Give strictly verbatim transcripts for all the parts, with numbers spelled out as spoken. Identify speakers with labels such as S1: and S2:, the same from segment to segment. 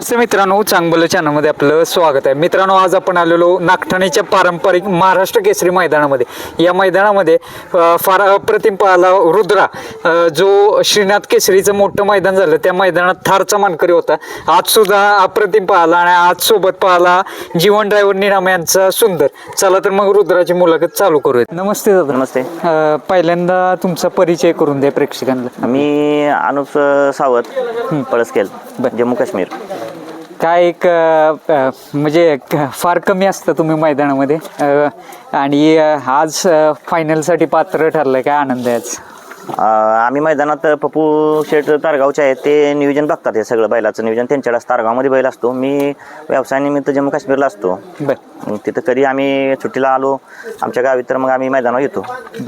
S1: नमस्ते मित्रांनो, चांगलं चॅनलमध्ये आपलं स्वागत आहे. मित्रांनो, आज आपण आलेलो नागठाणेच्या पारंपरिक महाराष्ट्र केसरी मैदानामध्ये. या मैदानामध्ये फार अप्रतिम पाहला रुद्रा, जो श्रीनाथ केसरीचं मोठं मैदान झालं त्या मैदानात थारचा मानकरी होता. आज सुद्धा अप्रतिम पाहला आणि आज सोबत पाहला जीवन ड्रायव्हर निराम यांचा सुंदर. चला तर मग रुद्राची मुलाखत चालू करूयात. नमस्ते दादा.
S2: नमस्ते.
S1: पहिल्यांदा तुमचा परिचय करून द्या प्रेक्षकांना.
S2: मी अनुप सावत, पळसखेल, जम्मू काश्मीर.
S1: काय एक म्हणजे फार कमी असतं तुम्ही मैदानामध्ये आणि आज फायनलसाठी पात्र ठरलंय, काय आनंद आहे आज?
S2: आम्ही मैदानात पप्पू शेठ तारगावचे आहेत, ते नियोजन बघतात. हे सगळं बैलाचं नियोजन त्यांच्याकडे असतं. तारगावमध्ये बैल असतो, मी व्यवसायानिमित्त जम्मू काश्मीरला असतो.
S1: बर.
S2: तिथं कधी आम्ही सुट्टीला आलो आमच्या गावी तर मग आम्ही मैदानावर येतो.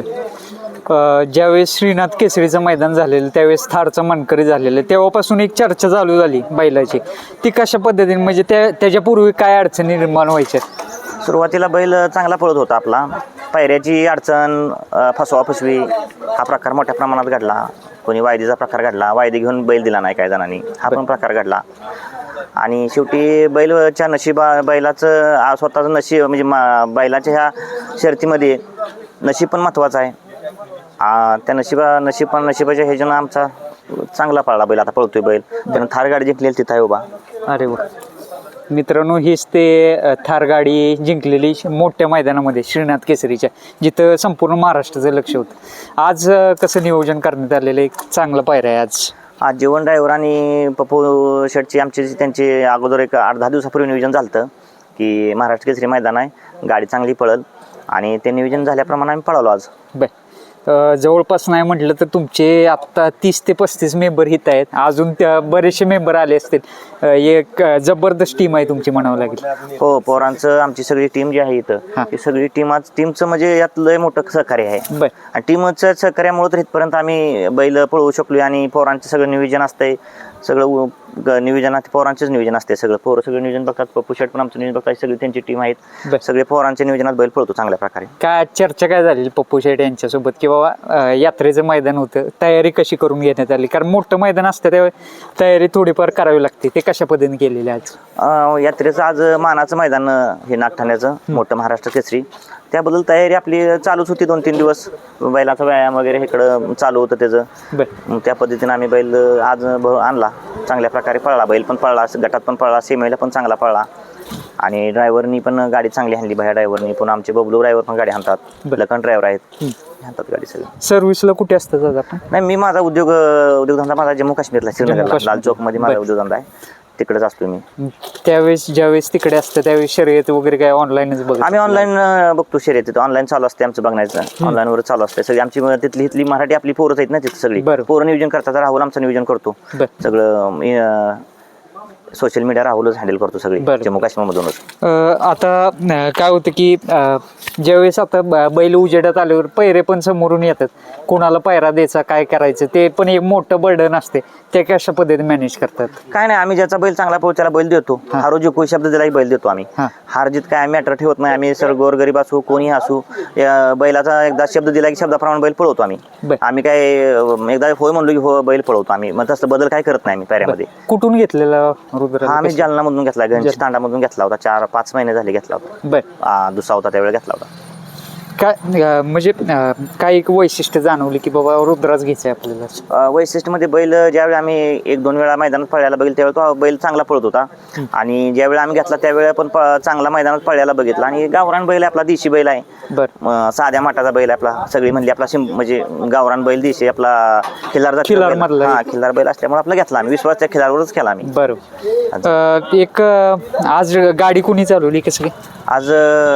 S1: ज्यावेळेस श्रीनाथ केसरीचं मैदान झालेलं त्यावेळेस थारचं मानकरी झालेलं, तेव्हापासून एक चर्चा चालू झाली बैलाची. ती कशा पद्धतीने, म्हणजे त्या त्याच्यापूर्वी काय अडचणी निर्माण व्हायच्या?
S2: सुरुवातीला बैल चांगला पळत होता आपला. पायऱ्याची अडचण, फसवा फसवी हा प्रकार मोठ्या प्रमाणात घडला. कोणी वायदीचा प्रकार घडला, वायदी घेऊन बैल दिला नाही काही जणांनी, हा पण प्रकार घडला. आणि शेवटी बैलच्या नशिबा बैलाचं स्वतःचं नशीब म्हणजे मा बैलाच्या ह्या शर्तीमध्ये नशीब पण महत्त्वाचं आहे. त्या नशिबा नशीब नशिबाच्या ह्याच्यानं आमचा चांगला पळला बैल, आता पळतोय बैल. त्यानं थार गाडी जिंकलेली तिथं आहे उभा.
S1: अरे वा. मित्रांनो, हीच ते थार गाडी जिंकलेली मोठ्या मैदानामध्ये श्रीनाथ केसरीच्या, जिथं संपूर्ण महाराष्ट्राचं लक्ष होतं. आज कसं नियोजन करण्यात आलेलं, एक चांगलं पायऱ्या आहे आज?
S2: आज जीवन ड्रायव्हर आणि पप्पू शेटची आमची त्यांचे अगोदर एक आठ दहा दिवसापूर्वी नियोजन झालं होतं की महाराष्ट्र केसरी मैदान आहे, गाडी चांगली पळल, आणि ते नियोजन झाल्याप्रमाणे आम्ही पळवलो आज.
S1: बर. जवळपास नाही म्हटलं तर तुमचे आत्ता तीस ते पस्तीस मेंबर हित आहेत, अजून त्या बरेचसे मेंबर आले असतील. एक जबरदस्त टीम आहे तुमची म्हणावं लागेल.
S2: हो, पोरांचं आमची सगळी टीम जी आहे इथं, ती सगळी टीम आज टीमचं म्हणजे यात लय मोठं सहकार्य आहे.
S1: बर.
S2: आणि टीमचं सहकार्यामुळे तर इथपर्यंत आम्ही बैल पळवू शकलो. आणि पोरांचं सगळं नियोजन असतंय, सगळं नियोजनात पोरांचंच नियोजन असते. सगळं पोरं सगळं नियोजन बघतात. पप्पू शेट पण आमचं नियोजन बघतात. सगळी त्यांची टीम आहेत, सगळे पोरांच्या नियोजनात बैल पळतो चांगल्या प्रकारे.
S1: काय चर्चा काय झाली पप्पू शेट यांच्यासोबत की बाबा यात्रेचं मैदान होतं, तयारी कशी करून घेण्यात आली? कारण मोठं मैदान असतं त्यावेळी तयारी थोडीफार करावी लागते, ते कशा पद्धतीने केलेली आज?
S2: यात्रेचं आज मानाचं मैदान हे नागठाण्याचं मोठं महाराष्ट्र केसरी, त्याबद्दल तयारी आपली चालूच होती. दोन तीन दिवस बैलाचा व्यायाम वगैरे इकडं चालू होतं त्याचं. त्या पद्धतीने आम्ही बैल आज आणला, चांगल्या प्रकारे पळला बैल, पण पळला गटात पण पळला, सेमीला पण चांगला पळला. आणि ड्रायव्हरनी पण गाडी चांगली आणली, भया ड्रायव्हरनी. पण आमचे बबलू ड्रायव्हर पण गाडी आणतात, लखन ड्रायव्हर आहेत, आणतात गाडी सगळी.
S1: सर्व्हिसला कुठे असतात दादा?
S2: नाही, मी माझा उद्योग उद्योगधंदा माझा जम्मू काश्मीरला, श्रीनगरला, लाल चौकमध्ये माझा उद्योगधंदा आहे, तिकडेच असतो मी.
S1: त्यावेळेस ज्यावेळेस तिकडे असतं त्यावेळेस शर्यत वगैरे काय ऑनलाईनच बघतो?
S2: आम्ही ऑनलाईन बघतो शर्यत, ऑनलाईन चालू असते आमचं बघण्याचं, ऑनलाईन वर चालू असते सगळी आमची. तिथली इथली मराठी आपली पोरच आहेत ना तिथं सगळी, पोरं नियोजन करतात. राहुल आमचं नियोजन करतो सगळं, सोशल मीडिया राहुलच हँडल करतो सगळी जम्मू काश्मीर मधूनच.
S1: आता काय होतं की ज्यावेळेस आता बैल उजेडात आल्यावर पैरे पण समोरून येतात, कोणाला पायरा द्यायचा, काय करायचं, ते पण एक मोठं बर्डन असते. ते कशा पद्धतीने मॅनेज करतात?
S2: काय नाही, आम्ही ज्याचा बैल चांगला पोहोच त्याला बैल देतो. हारो जिंकू शब्द दिलाही बैल देतो आम्ही. हार जीत काय आम्ही मॅटर ठेवत नाही. आम्ही सर गोरगरीब असू कोणी असू, बैलाचा एकदा शब्द दिला की शब्दाप्रमाणे बैल पळवतो आम्ही. आम्ही काय एकदा होय म्हणलो की हो बैल पळवतो आम्ही, मग तसं बदल काय करत नाही आम्ही पायऱ्यामध्ये.
S1: कुठून घेतलेला?
S2: हा, आम्ही जालना मधून घेतला, गणेश तांडामधून घेतला होता. चार पाच महिने झाले घेतला होता. बर. दुसरा होता त्यावेळी घेतला होता.
S1: काय म्हणजे काय एक वैशिष्ट्य जाणवली की बाबा रुद्राच घ्यायचंय आपल्याला?
S2: वैशिष्ट्य मध्ये बैल ज्यावेळी आम्ही एक दोन वेळा मैदानात पळायला बघितलं त्यावेळी तो बैल चांगला पळत होता. आणि ज्यावेळी आम्ही घेतला त्यावेळी पण चांगला मैदानात पळायला बघितला. आणि गावरान बैल आपला देशी बैल आहे, बर, साध्या माठाचा बैल आपला, सगळी म्हणली आपला म्हणजे गावरान बैल देशी आपला खिल्लार खिल्लार मधला खिल्लार बैल असल्यामुळे आपला घेतला आम्ही. विश्वास त्या खिल्लारवरच केला आम्ही.
S1: बरोबर. एक आज गाडी कोणी चालवली कसं काय?
S2: आज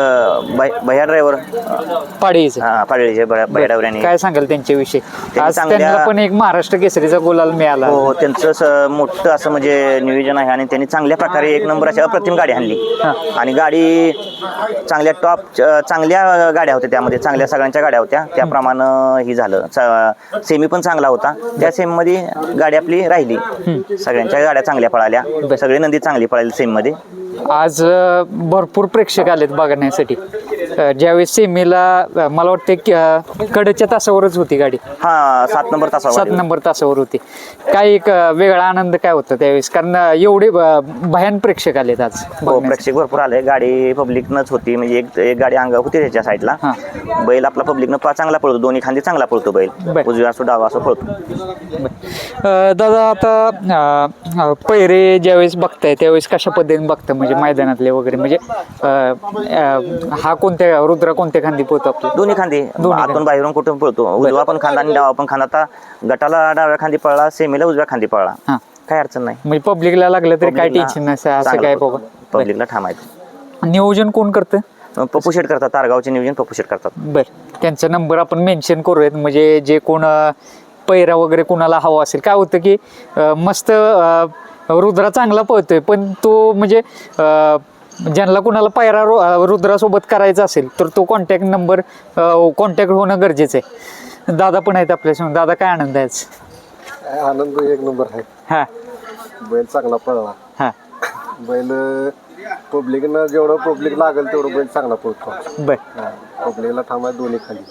S2: भैया ड्रायव्हर
S1: पाडळीचे,
S2: हा पाडळीचे भैया ड्रायव्हर.
S1: काय सांगाल त्यांच्याविषयी? आज त्यांना पण एक महाराष्ट्र केसरीचा गुलाल मिळाला.
S2: हो, त्यांचं मोठं असं म्हणजे नियोजन आहे. आणि त्यांनी चांगल्या प्रकारे एक नंबर अशी अप्रतिम गाडी आणली. आणि गाडी चांगल्या टॉप चांगल्या गाड्या होत्या त्यामध्ये, चांगल्या सगळ्यांच्या गाड्या होत्या, त्याप्रमाणे ही झालं. सेमी पण चांगला होता, त्या सेमी मध्ये गाडी आपली राहिली. सगळ्यांच्या गाड्या चांगल्या पळाल्या, सगळे नंदी चांगली पळाली सेमी मध्ये.
S1: आज भरपूर प्रेक्षक आलेत बघण्यासाठी. अ, ज्यावेळेस सेमीला अ, मला वाटतं की अ, कडच्या तासावरच होती गाडी,
S2: हा सात नंबर तासावर
S1: सात नंबर तासावर होती. काय एक अ, वेगळा आनंद काय होता त्यावेळेस, कारण अ, एवढे अ, भयान प्रेक्षक आलेत आज
S2: हो
S1: बघण्यासाठी.
S2: प्रेक्षक भरपूर आले. गाडी पब्लिकनंच होती, म्हणजे एक एक गाडी अंग होती त्याच्या साईडला.
S1: हा.
S2: बैल आपला पब्लिकनं पा चांगला पळतो, दोन्ही खांदी चांगला पळतो बैल,
S1: बर.
S2: उजव्या असो डावा असो पळतो.
S1: अ, दादा आता अ, अ, पहिरे ज्यावेळेस बघताय त्यावेळेस कशा पद्धतीने बघता, म्हणजे मैदानातले वगैरे, म्हणजे अ, अ, हा कोणत्या रुद्रा कोणत्या खांदी पोहतो आपला?
S2: दोन्ही खांदी आतून बाहेरून कुठून पळतो, उजवा पण खांदा आणि डावा पण खांदा. आता गटाला डाव्या खांदी पळला, सेमीला उजव्या खांदी पळला,
S1: हा,
S2: काय अडचण नाही.
S1: म्हणजे पब्लिकला लागलं तरी काय टेन्शन नसतं असं काय बाबा.
S2: पब्लिकला ठामायचं.
S1: नियोजन कोण करतं?
S2: पप्पू शेट करतात, तारगावचे नियोजन पप्पू शेट करतात.
S1: बर, त्यांचा नंबर आपण मेन्शन करूयात, म्हणजे जे कोण अ, पैरा वगैरे कोणाला हवा असेल. काय होतं की अ, मस्त अ, रुद्रा चांगला पळतोय, पण तो म्हणजे अ, ज्यांना कुणाला पायरा रु- रुद्रासोबत करायचा असेल तर तो कॉन्टॅक्ट नंबर कॉन्टॅक्ट होणं गरजेचं आहे. दादा पण आहेत आपल्यासमोर. दादा काय आनंद आहे आज?
S3: आनंद एक नंबर आहे.
S1: हा
S3: बैल चांगला पळला.
S1: हा
S3: बैल पब्लिकनं जेवढं पब्लिक लागेल तेवढं बैल चांगला पळतो.
S1: बर,
S3: पब्लिकला थांबाय दोन्ही खाली.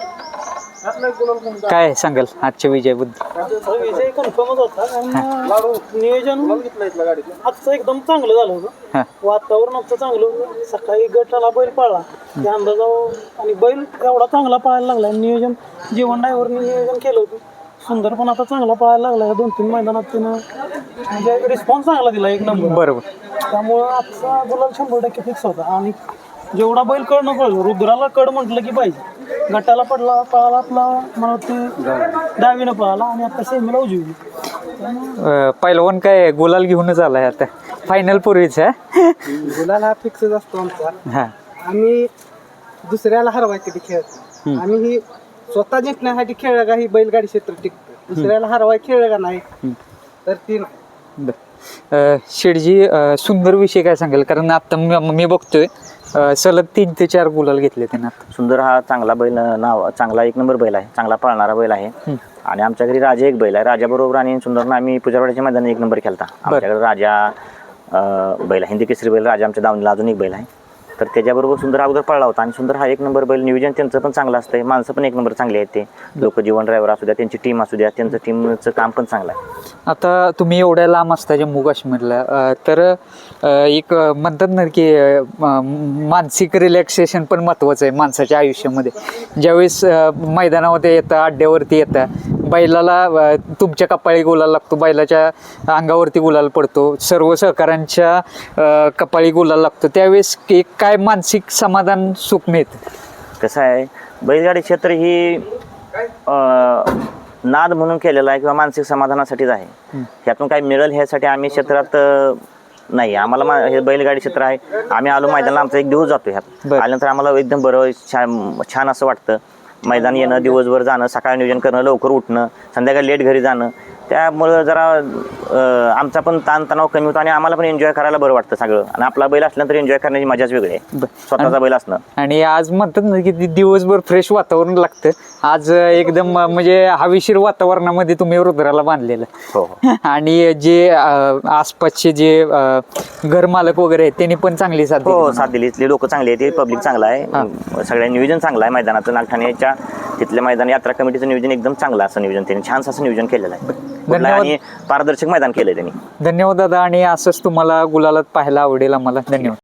S1: काय सांगाल आजच्या विजयाबद्दल?
S4: विजय कन्फर्मच होता, कारण नियोजन आजचं एकदम चांगलं झालं होतं.
S1: हा
S4: वातावरण आजचं चांगलं होतं. सकाळी गटाला बैल पळला त्या अंदाजावर, आणि बैल एवढा चांगला पळायला लागला. नियोजन जीवन ड्रायव्हरने नियोजन केलं होतं. सुंदर पण आता चांगला पळायला लागला. दोन तीन मैदानात त्यानं म्हणजे रिस्पॉन्स चांगला दिला, एक नंबर.
S1: बरोबर.
S4: त्यामुळं आजचा गुलाल शंभर टक्के फिक्स होता. आणि जेवढा बैल कड न पळलो, रुद्राला कड म्हटलं की पाहिजे. गटाला पडला पळाला आपला, मला वाटतं डावीनं पळाला, आणि आता सेमीला उजवी.
S1: अ, पहिलवान काय गुलाल घेऊनच आलाय आता फायनल पूर्वीच. हा
S4: गुलाल हा फिक्सच असतो आमचा.
S1: हा
S4: आम्ही दुसऱ्याला हरवायसाठी खेळत, आम्ही ही स्वतः जिंकण्यासाठी खेळ का ही बैलगाडी क्षेत्र टिकतो. दुसऱ्याला हरवाय खेळ का नाही तर ती नाही.
S1: बर. अ, शेठजी, अ, सुंदर विषय काय सांगेल, कारण आता मी मी बघतोय अ, सलग तीन ते चार गुलाल घेतले त्यांना.
S2: सुंदर हा चांगला बैल, नाव चांगला एक नंबर बैल आहे, चांगला पळणारा बैल आहे. आणि आमच्या घरी राजा एक बैल आहे. राजाबरोबर आणि सुंदरनं आम्ही पुजारवाड्याच्या मैदानात एक नंबर केलता. आमच्याकडे राजा अं, बैल आहे, हिंदी केसरी बैल राजा. आमच्या दावणीला अजून एक बैल आहे, तर त्याच्याबरोबर सुंदर अगोदर पळला होता. आणि सुंदर हा एक नंबर बैल. नियोजन त्यांचं पण चांगलं असतं, माणसं पण एक नंबर चांगली आहेत. ते लोक जीवन ड्रायव्हर असू द्या, त्यांची टीम असू द्या, त्यांचं टीमचं काम पण चांगलं आहे.
S1: आता तुम्ही एवढ्या लांब असता जम्मू काश्मीरला, अ, तर अ, एक अ, म्हणतात ना की अ, म- मानसिक रिलॅक्सेशन पण महत्त्वाचं आहे माणसाच्या आयुष्यामध्ये. ज्यावेळेस अ, मैदानामध्ये येतं, अड्ड्यावरती येतं, बैलाला अ, तुमच्या कपाळी गुलाल लागतो, बैलाच्या अंगावरती गुलाल पडतो, सर्व सहकाऱ्यांच्या अ, कपाळी गुलाल लागतो, त्यावेळेस एक काय मानसिक समाधान सुख मिळतं.
S2: कसं आहे, बैलगाडी क्षेत्र ही अं, नाद म्हणून केलेलं आहे किंवा मानसिक समाधानासाठीच आहे. ह्यातून काही मिळेल ह्यासाठी आम्ही क्षेत्रात अं, नाही. आम्हाला मा- हे बैलगाडी क्षेत्र आहे. आम्ही आलो मैदानाला, आमचा एक दिवस जातो ह्यात.
S1: बरं.
S2: आल्यानंतर आम्हाला एकदम बरं छान छान असं वाटतं. मैदान येणं, दिवसभर जाणं, सकाळी नियोजन करणं, लवकर उठणं, संध्याकाळी लेट घरी जाणं, त्यामुळं जरा अं, आमचा पण ताणतणाव कमी होतो आणि आम्हाला पण एन्जॉय करायला बरं वाटतं सगळं. आणि आपला बैल असल्यानंतर एन्जॉय करण्याची मजाच वेगळी आहे,
S1: बरं.
S2: स्वतःचा बैल असणं.
S1: आणि आज म्हणतात ना की दि- दिवसभर फ्रेश वातावरण लागतं. आज अ, एकदम अ, म्हणजे हवेशीर वातावरणामध्ये तुम्ही रुद्राला बांधलेलं.
S2: हो हो.
S1: आणि जे अ, आसपासचे जे अ, घरमालक वगैरे आहेत त्यांनी पण चांगली साथ दिली
S2: हो,
S1: म्हणा.
S2: साथ दिली. इथली लोक चांगली आहेत, पब्लिक चांगला आहे, सगळ्या नियोजन चांगलं आहे मैदानाचं. नागठाण्याच्या तिथल्या मैदान यात्रा कमिटीचं नियोजन एकदम चांगलं असं नियोजन त्यांनी छान असं नियोजन केलेलं आहे. कुठलं आणि पारदर्शक मैदान केलंय त्यांनी.
S1: धन्यवाद दादा, आणि असंच तुम्हाला गुलालात पाहायला आवडेल आम्हाला. धन्यवाद.